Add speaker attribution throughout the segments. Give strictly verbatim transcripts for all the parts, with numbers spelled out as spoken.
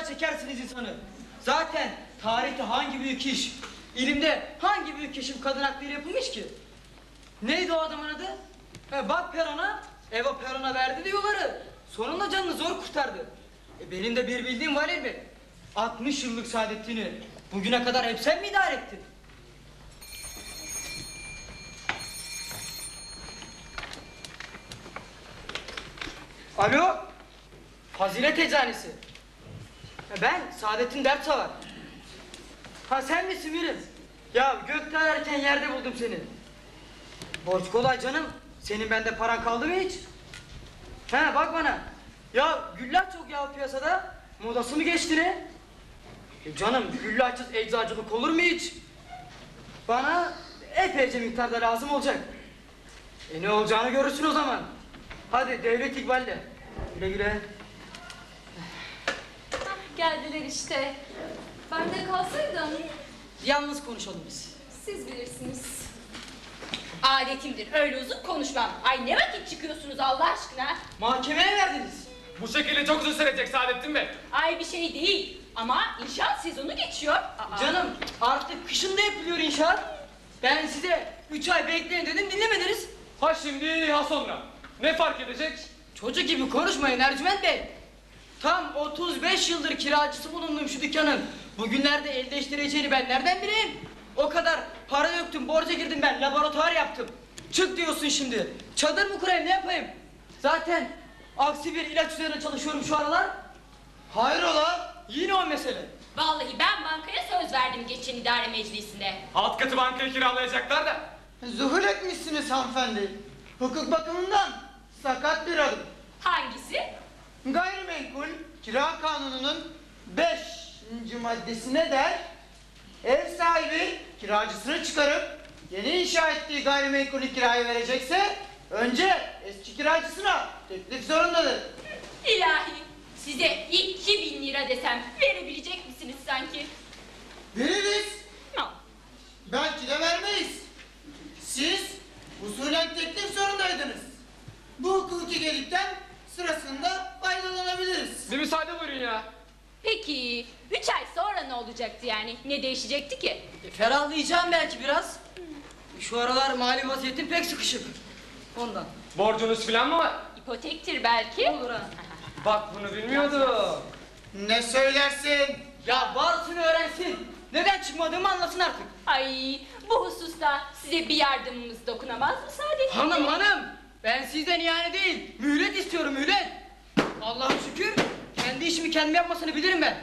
Speaker 1: çekersiniz insanı. Zaten tarihte hangi büyük iş, ilimde hangi büyük keşif kadın hakları yapılmış ki? Neydi o adamın adı? E, bak Peron'a, Eva Peron'a verdi diyorları. Sonunda canını zor kurtardı. E, benim de bir bildiğim var elbet. altmış yıllık saadetini bugüne kadar hep sen mi idare ettin? Alo, Fazilet Eczanesi. E, ben Saadettin Dertsavar. Ha sen misin Mirim? Ya gökte ararken yerde buldum seni. Borç kolay canım. Senin bende paran kaldı mı hiç? He bak bana. Ya güllaç çok ya piyasada. Modası mı geçti ne? E canım güllaçsız eczacılık olur mu hiç? Bana epeyce miktarda lazım olacak. E ne olacağını görürsün o zaman. Hadi devlet ikballe. Güle güle.
Speaker 2: Hah, geldiler işte. Ben de kalsaydım.
Speaker 1: Yalnız konuşalım biz.
Speaker 2: Siz bilirsiniz.
Speaker 3: Adetimdir, öyle uzun konuşmam. Ay ne vakit çıkıyorsunuz Allah aşkına?
Speaker 1: Mahkemeye verdiniz.
Speaker 4: Bu şekilde çok uzun sürecek Saadettin Bey.
Speaker 3: Ay bir şey değil ama inşaat sezonu geçiyor. Aa.
Speaker 1: Canım artık kışın da yapılıyor inşaat. Ben size üç ay bekleyin dedim dinlemediniz.
Speaker 4: Ha şimdi ha sonra. Ne fark edecek?
Speaker 1: Çocuk gibi konuşmayın Ercüment Bey. Tam otuz beş yıldır kiracısı bulundum şu dükkanın. Bugünlerde el değiştireceğini ben nereden bileyim? O kadar para döktüm, borca girdim ben, laboratuvar yaptım. Çık diyorsun şimdi. Çadır mı kurayım, ne yapayım? Zaten aksi bir ilaç üzerine çalışıyorum şu aralar. Hayrola? Yine o mesele.
Speaker 3: Vallahi ben bankaya söz verdim geçen idare meclisinde.
Speaker 4: Alt katı bankayı kiralayacaklar da.
Speaker 5: Zuhur etmişsiniz hanımefendi. Hukuk bakımından sakat bir adım.
Speaker 3: Hangisi?
Speaker 5: Gayrimenkul kira kanununun beşinci maddesine der, ev sahibi kiracısını çıkarıp yeni inşa ettiği gayrimenkulü kiraya verecekse önce eski kiracısına teklif zorundadır.
Speaker 3: İlahi size iki bin lira desem verebilecek misiniz sanki?
Speaker 5: Veririz,
Speaker 3: No.
Speaker 5: belki de vermeyiz. Siz usulen teklif zorundaydınız. Bu hukuki gelikten sırasında faydalanabiliriz.
Speaker 4: Bir müsaade buyurun ya.
Speaker 3: Peki üç ay sonra ne olacaktı yani? Ne değişecekti ki?
Speaker 1: E, ferahlayacağım belki biraz. Şu aralar mali vaziyetim pek sıkışık. Ondan.
Speaker 4: Borcunuz filan mı var?
Speaker 3: İpotektir belki.
Speaker 1: Olur ha.
Speaker 4: Bak bunu bilmiyordum.
Speaker 5: Ne söylersin?
Speaker 1: Ya varsın öğrensin. Neden çıkmadığımı anlasın artık.
Speaker 3: Ay bu hususta size bir yardımımız dokunamaz mı Saadettin
Speaker 1: Hanım
Speaker 3: Bey?
Speaker 1: hanım. Ben sizden yani değil. Mühlet istiyorum mühlet. Allah'a şükür. Kendi işimi kendim yapmasını bilirim ben.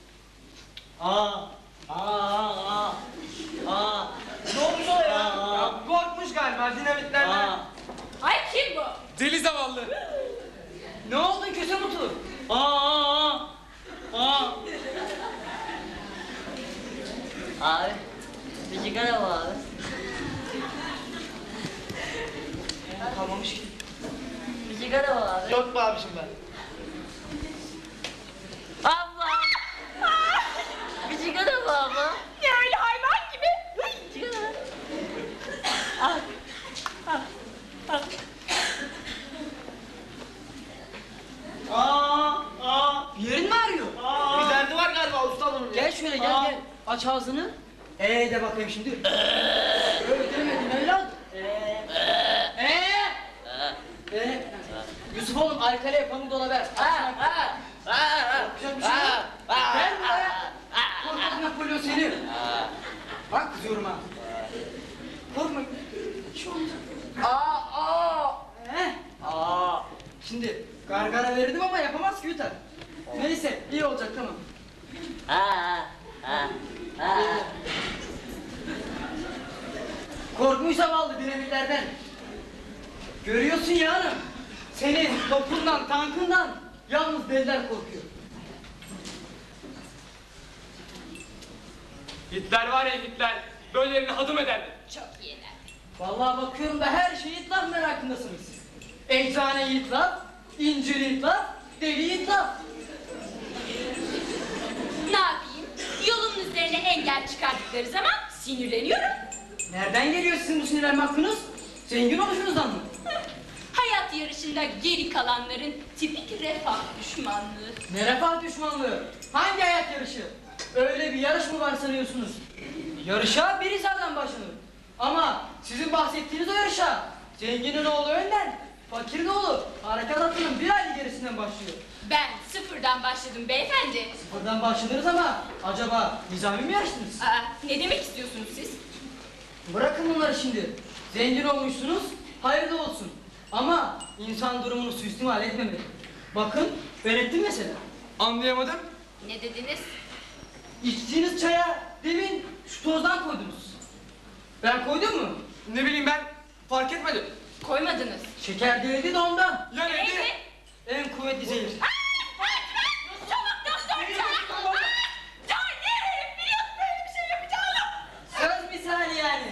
Speaker 1: Aa. Aa. Aa. Aa. Ne olmuş o ya? Ya korkmuş galiba dinamitlerden.
Speaker 3: Ay kim bu?
Speaker 4: Deli zavallı.
Speaker 1: Ne oldu köse mutu? Aa. Aa. Aa.
Speaker 6: Abi, bir sigara mı abi?
Speaker 1: Kalmamış ki.
Speaker 6: Bir sigara mı abi?
Speaker 5: Yok mu abişim ben?
Speaker 6: Abla! Bir sigara mı abla?
Speaker 3: Ne öyle hayvan gibi?
Speaker 6: Sigara. Al. Al. Al.
Speaker 1: Aa. Aa. Bir yerin mi ağrıyor?
Speaker 5: Bir derdi var galiba usta bunun.
Speaker 1: Gel şöyle gel
Speaker 5: Aa.
Speaker 1: gel. Aç ağzını. Ee de bakayım şimdi. Öyle demedim evlat. Ee. Ee. Ee. Yusuf oğlum alkaliye pamuk dola ver.
Speaker 6: Ha, ha, ha,
Speaker 1: Yapacak bir şey yok.
Speaker 6: ha,
Speaker 1: Gel buraya. Korkak Napolyon seni. Bak kızıyorum ha. Korkma. Hiç olmayacak. Aa aa. Ee. Aa. Şimdi gargara verirdim ama yapamaz ki yutar. Neyse iyi olacak tamam.
Speaker 6: ha, ha, ha.
Speaker 1: Korkmuş zavallı dinamitlerden. Görüyorsun ya hanım. Senin topundan, tankından yalnız deliler korkuyor.
Speaker 4: Hitler var ya Hitler. Böylelerini hadım ederdi.
Speaker 3: Çok iyiler.
Speaker 1: Vallahi bakıyorum da her şey itlaf merakındasınız. Eczane itlaf, incir itlaf, deli itlaf.
Speaker 3: Ne yapayım? Yolun üzerine engel çıkardıkları zaman sinirleniyorum.
Speaker 1: Nereden geliyor sizin bu sinirlenme hakkınız? Zengin oluşunuzdan mı?
Speaker 3: Hayat yarışında geri kalanların tipik refah düşmanlığı.
Speaker 1: Ne refah düşmanlığı? Hangi hayat yarışı? Öyle bir yarış mı var sanıyorsunuz? Yarışa bir hizardan başlanır. Ama sizin bahsettiğiniz o yarışa zenginin oğlu önden, fakirin oğlu harekat atının bir aylık gerisinden başlıyor.
Speaker 3: Ben sıfırdan başladım beyefendi.
Speaker 1: Buradan başladınız ama acaba nizami mi yarıştınız?
Speaker 3: Aa, ne demek istiyorsunuz siz?
Speaker 1: Bırakın bunları şimdi. Zengin olmuşsunuz, hayırlı olsun. Ama insan durumunu suistimal etmemeli. Bakın, ben ettim mesela.
Speaker 4: Anlayamadım.
Speaker 3: Ne dediniz?
Speaker 1: İçtiğiniz çaya demin şu tozdan koydunuz. Ben koydum mu?
Speaker 4: Ne bileyim ben fark etmedim.
Speaker 3: Koymadınız.
Speaker 1: Şeker değildi de ondan.
Speaker 4: Ya neydi?
Speaker 3: Neydi?
Speaker 1: En kuvvetli zehir.
Speaker 3: Çabuk doktor çağır. Aa, Can ne? Biliyorsun böyle bir şey yapacağını.
Speaker 1: Söz misali yani.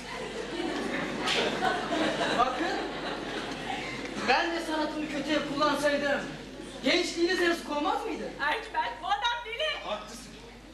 Speaker 1: Bakın, ben de sanatımı kötüye kullansaydım, gençliğiniz yazık olmaz mıydı?
Speaker 3: Ercüment bu adam deli.
Speaker 4: Haklısın.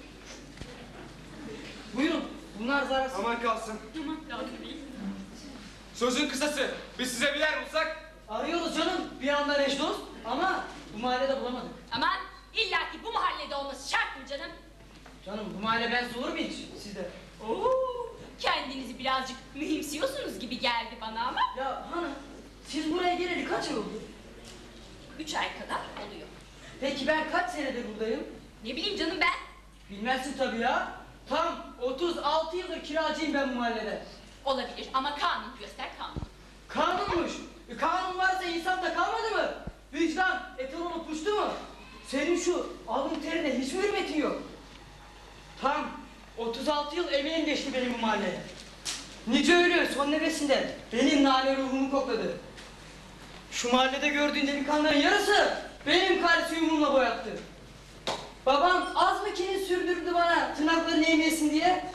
Speaker 1: Buyurun, bunlar zararsız.
Speaker 4: Aman kalsın.
Speaker 3: Aman lazım değil.
Speaker 4: Sözün kısası. Biz size bir yer bulsak.
Speaker 1: Arıyoruz canım, bir anda eş dost ama bu mahallede bulamadık.
Speaker 3: Aman illaki bu mahallede olması şart mı canım?
Speaker 1: Canım bu mahalle ben olur mu hiç sizde?
Speaker 3: Oo, kendinizi birazcık mühimsiyorsunuz gibi geldi bana ama
Speaker 1: Ya hanım, siz buraya geleli kaç ay oldu?
Speaker 3: üç ay kadar oluyor.
Speaker 1: Peki ben kaç senedir buradayım?
Speaker 3: Ne bileyim canım ben.
Speaker 1: Bilmezsin tabii ya. Tam otuz altı yıldır kiracıyım ben bu mahallede.
Speaker 3: Olabilir ama kanun göster kanun.
Speaker 1: Kanunmuş. E, kanun varsa insan da kalmadı mı? Vicdan, eton olup uçtu mu? Senin şu alın terine hiç mi hürmetin yok? Tam otuz altı yıl emeğim geçti benim bu mahalleye. Nice ölü son nefesinde benim nane ruhumu kokladı. Şu mahallede gördüğün delikanlıların yarısı benim kalsiyumumla boyattı. Babam az mı kinin sürdürdü bana tırnaklarını eğmeyesin diye?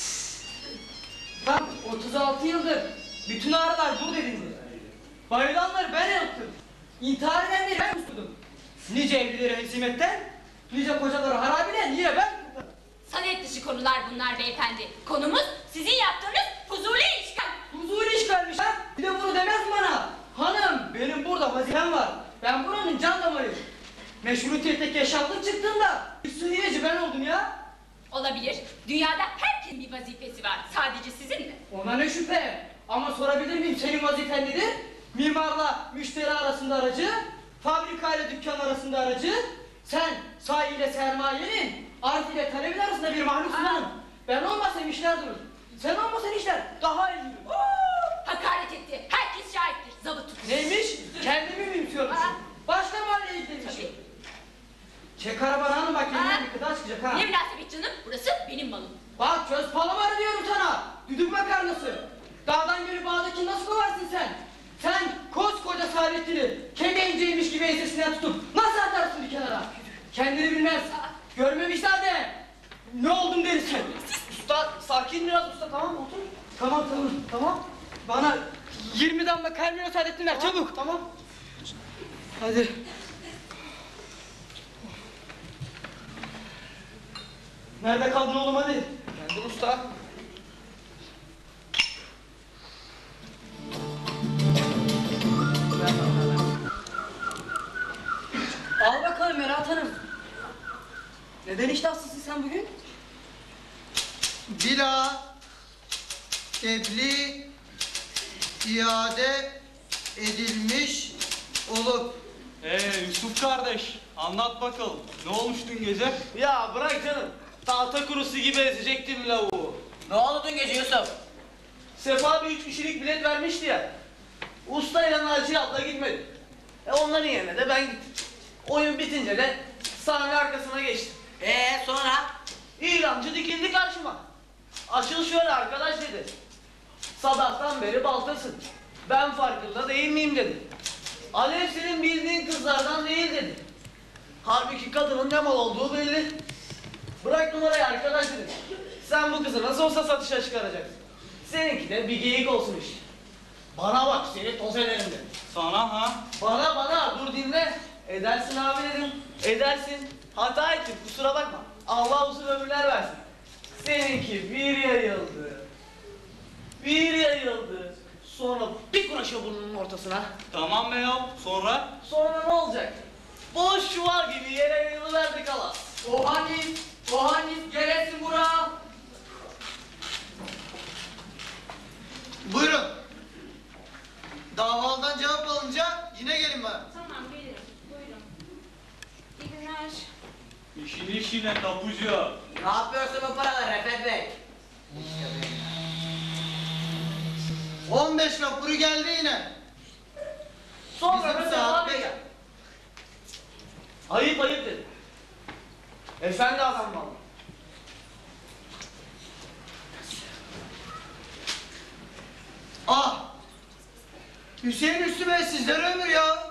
Speaker 1: Tam otuz altı yıldır bütün ağrılar burada edindi. Bayılanları ben yaptım. İntihar edenleri ben kusturdum. Nice evlileri hezimetten, nice kocaları harabiden yine ben kurtardım.
Speaker 3: Sanet dışı konular bunlar beyefendi. Konumuz sizin yaptığınız fuzuli işgal.
Speaker 1: Huzur işgalmiş ha. Bir de bunu demez mi bana? Hanım benim burada vazifem var. Ben buranın can damarıyım. Meşrutiyette yaşandık çıktığında bir sürüyeci ben oldum ya.
Speaker 3: Olabilir. Dünyada herkesin bir vazifesi var. Sadece sizin mi?
Speaker 1: Ona ne şüphe. Ama sorabilir miyim senin vazifen nedir? Mimarla müşteri arasında aracı, fabrikayla dükkan arasında aracı, sen sahi ile sermayenin, arz ile talebin arasında bir mahluksun
Speaker 3: Aa.
Speaker 1: hanım. Ben olmasam işler durur. Sen olmasan işler daha iyi yürür.
Speaker 3: Oo, hakaret etti. Herkes şahittir. Zabıt tutun.
Speaker 1: Neymiş? Kendimi mi yutuyormuşum?
Speaker 3: Aa.
Speaker 1: Başka mahalleye gidemişim.
Speaker 3: Tabii.
Speaker 1: Çek arabanı hanım bak
Speaker 3: Aa.
Speaker 1: elinden bir kıta çıkacak ha.
Speaker 3: Ne münasebet canım? Burası benim malım.
Speaker 1: Bak köz palamarı diyorum sana. Düdük makarnası. Dağdan gelip bağdaki nasıl kovarsın sen? Sen koskoca Saadettin'i kemenceymiş gibi ensesinden tutup nasıl atarsın bir kenara? Kendini bilmez. Görmemişler de. Ne oldum dersin? Usta sakin biraz usta tamam mı? Otur. Tamam tamam tamam. Bana yirmi damla Carmelo Saadettin ver çabuk. Tamam. Hadi. Nerede kaldın oğlum hadi?
Speaker 4: Geldim usta.
Speaker 1: Al bakalım Merat Hanım. Neden iştahsızsın sen bugün?
Speaker 5: Bila tebliğ iade edilmiş olup
Speaker 7: Ee Yusuf kardeş, anlat bakalım. Ne olmuş dün gece?
Speaker 8: Ya bırak canım. Tahta kurusu gibi ezecektim lavuğu.
Speaker 6: Ne oldu dün gece Yusuf?
Speaker 8: Sefa bir üç kişilik bilet vermişti ya. Usta ile Naciye abla gitmedi. E onların yerine de ben gittim. Oyun bitince de sahne arkasına geçtim.
Speaker 6: Ee sonra?
Speaker 8: İlancı dikildi karşıma. Açıl şöyle arkadaş dedi. Sabahtan beri baltasın. Ben farkında değil miyim dedi. Alev senin bildiğin kızlardan değil dedi. Halbuki kadının ne mal olduğu belli. Bırak numarayı arkadaş dedi. Sen bu kızı nasıl olsa satışa çıkaracaksın. Seninki de bir geyik olsun işte. Bana bak seni toz ederim dedi.
Speaker 7: Sana ha?
Speaker 8: Bana bana dur dinle. Edersin abi dedim. Edersin. Hata ettim kusura bakma. Allah uzun ömürler versin. Seninki bir yayıldı. Bir yayıldı. Sonra bir kuraşa burnunun ortasına.
Speaker 7: Tamam be ya. Sonra?
Speaker 8: Sonra ne olacak? Boş çuval gibi yere yayılıverdi kalas.
Speaker 1: Ohanis, Ohanis gelesin buraya.
Speaker 5: Buyurun. Davalıdan cevap alınca yine gelin bana.
Speaker 2: Tamam gelirim. Buyurun. İyi günler.
Speaker 7: İşin işine tapucu.
Speaker 6: Ne yapıyorsun bu paralar Refet Bey?
Speaker 5: on beş vapuru geldi yine.
Speaker 8: Sonra
Speaker 5: Bizim
Speaker 8: da
Speaker 5: saat
Speaker 8: devam
Speaker 5: beş.
Speaker 8: eder. Ayıp ayıp dedi. Efendi adam vallahi.
Speaker 5: Ah! Hüseyin Üstü Bey sizlere ömür ya.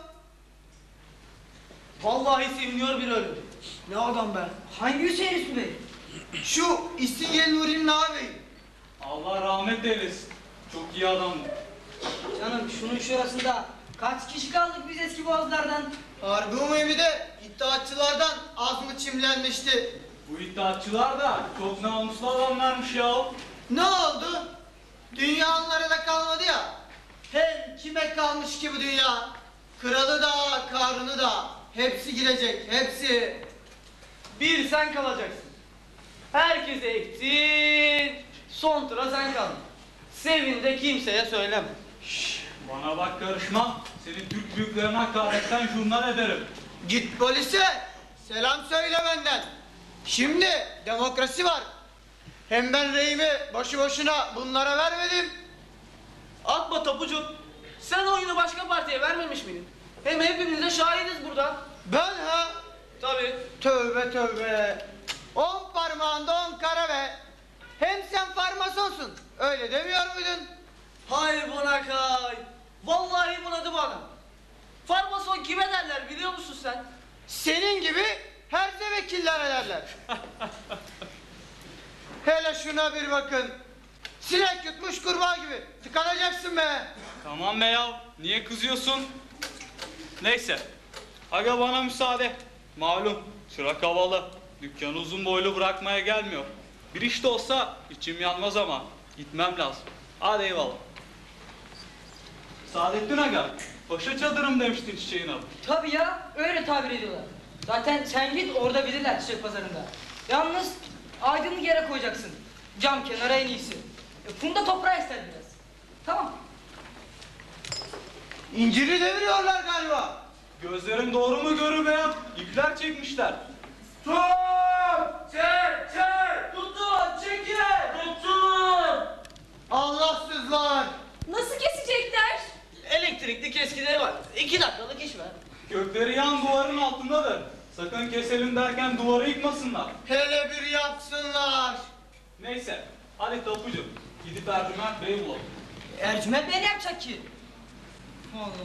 Speaker 8: Vallahi seviniyor bir ölüm. Ne adam be?
Speaker 1: Hangi Hüseyin Üstü Bey?
Speaker 5: Şu İstingel Nuri'nin ağabeyi.
Speaker 7: Allah rahmet eylesin. Çok iyi adamdı.
Speaker 1: Canım şunun şurasında kaç kişi kaldık biz eski boğazlardan?
Speaker 5: Harbi umumi de iddiatçılardan az mı çimlenmişti?
Speaker 7: Bu iddiatçılar da çok namuslu adamlarmış ya.
Speaker 5: Ne oldu? Dünya onlara da kalmadı ya. Hem kime kalmış ki bu dünya? Kralı da, karını da. Hepsi gidecek, hepsi.
Speaker 8: Bir sen kalacaksın. Herkese ektin. Son tura sen kaldın. Sevin de kimseye söyleme.
Speaker 7: Bana bak karışma. Seni Türk büyüklerine hakaretten jurnal ederim.
Speaker 5: Git polise, selam söyle benden. Şimdi demokrasi var. Hem ben reyimi boşu boşuna bunlara vermedim.
Speaker 8: Atma tapucu. Sen oyunu başka partiye vermemiş miydin? Hem hepimiz de şahidiz burada.
Speaker 5: Ben ha?
Speaker 8: Tabii.
Speaker 5: Tövbe tövbe. On parmağında on kara be. Hem sen farmasonsun. Öyle demiyor muydun?
Speaker 8: Hay buna kay. Vallahi bunadı bana. Farmason kime derler biliyor musun sen?
Speaker 5: Senin gibi herse vekiller ederler. Hele şuna bir bakın. Sinek yutmuş kurbağa gibi. Tıkanacaksın be.
Speaker 7: Tamam be ya. Niye kızıyorsun? Neyse. Aga bana müsaade. Malum çırak havalı. Dükkanı uzun boylu bırakmaya gelmiyor. Bir iş de olsa içim yanmaz ama gitmem lazım. Hadi eyvallah. Saadettin Aga, paşa çadırım demiştin çiçeğin adı.
Speaker 1: Tabii ya öyle tabir ediyorlar. Zaten sen git orada bilirler çiçek pazarında. Yalnız aydınlık yere koyacaksın. Cam kenara en iyisi. E, funda toprağı ister biraz. Tamam.
Speaker 5: İnciri deviriyorlar galiba.
Speaker 7: Gözlerim doğru mu görür be ya? İpler çekmişler.
Speaker 8: Tut! Çek! Çek! Tutun! Çekin! Tutun!
Speaker 5: Allahsızlar.
Speaker 2: Nasıl kesecekler?
Speaker 8: Elektrikli keskileri var. İki dakikalık iş var.
Speaker 7: Gökleri yan duvarın altındadır. Sakın keselim derken duvarı yıkmasınlar.
Speaker 5: Hele bir yapsınlar.
Speaker 7: Neyse, hadi tapucu. Gidip Ercüment Bey'i bulalım.
Speaker 1: Ercüment Bey ne yapacak ki? Allah Allah.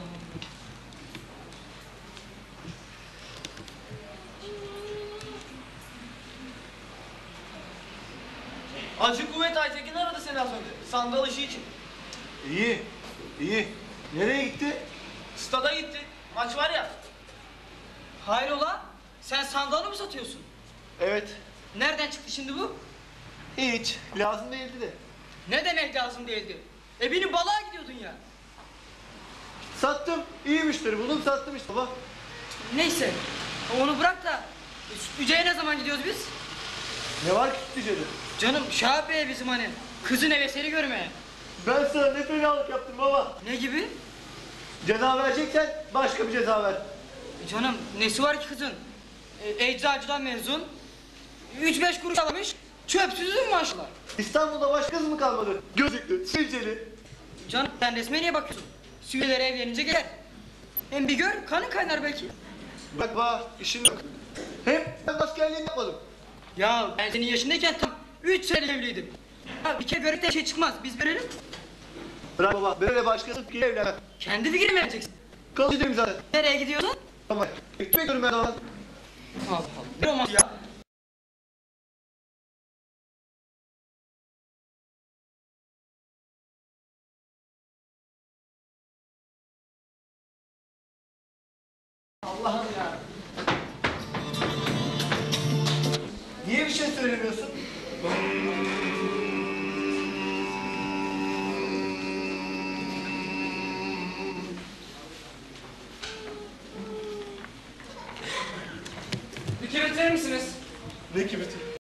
Speaker 8: Acı Kuvvet Aytekin aradı seni az önce. Sandal işi için.
Speaker 5: İyi, iyi. Nereye gitti?
Speaker 8: Stada gitti. Maç var ya.
Speaker 1: Hayrola? Sen sandalı mı satıyorsun?
Speaker 5: Evet.
Speaker 1: Nereden çıktı şimdi bu?
Speaker 5: Hiç. Lazım değildi de.
Speaker 1: Ne demek lazım değildi? E benim balığa gidiyordun ya.
Speaker 5: Sattım. İyi müşteri buldum, sattım işte baba.
Speaker 1: Neyse. Onu bırak da e, Sütlüce'ye ne zaman gidiyoruz biz?
Speaker 5: Ne var ki Sütlüce'de?
Speaker 1: Canım Şahap Bey bizim hani. Kızın hevesleri görmeye.
Speaker 5: Ben sana ne fenalık yaptım baba.
Speaker 1: Ne gibi?
Speaker 5: Ceza vereceksen başka bir ceza ver.
Speaker 1: E canım nesi var ki kızın? E, eczacıdan mezun. Üç beş kuruş alamış. Çöpsüzün maşallah.
Speaker 5: İstanbul'da başka kız mı kalmadı? Gözlüklü, sivilceli.
Speaker 1: Canım sen resme niye bakıyorsun? Süvelere evlenince gelir. Hem bir gör kanın kaynar belki.
Speaker 5: Bak baba, işin yok. Hem ben askerliğini yapmadım.
Speaker 1: Ya ben senin yaşındayken tam üç sene evliydim. Ya bir kere börekten şey çıkmaz. Biz verelim.
Speaker 5: Bırak baba, böyle başkası fikir evlenmem.
Speaker 1: Kendi fikrini mi vereceksin?
Speaker 5: Kalıcıyım zaten.
Speaker 1: Nereye gidiyorsun?
Speaker 5: Tamam. Gitmek diyorum ben zaman.
Speaker 1: Allah Allah. Ne olmaz ya?
Speaker 5: Allah'ım ya. Niye bir şey söylemiyorsun?
Speaker 4: verir misiniz?
Speaker 7: Ne kibiti?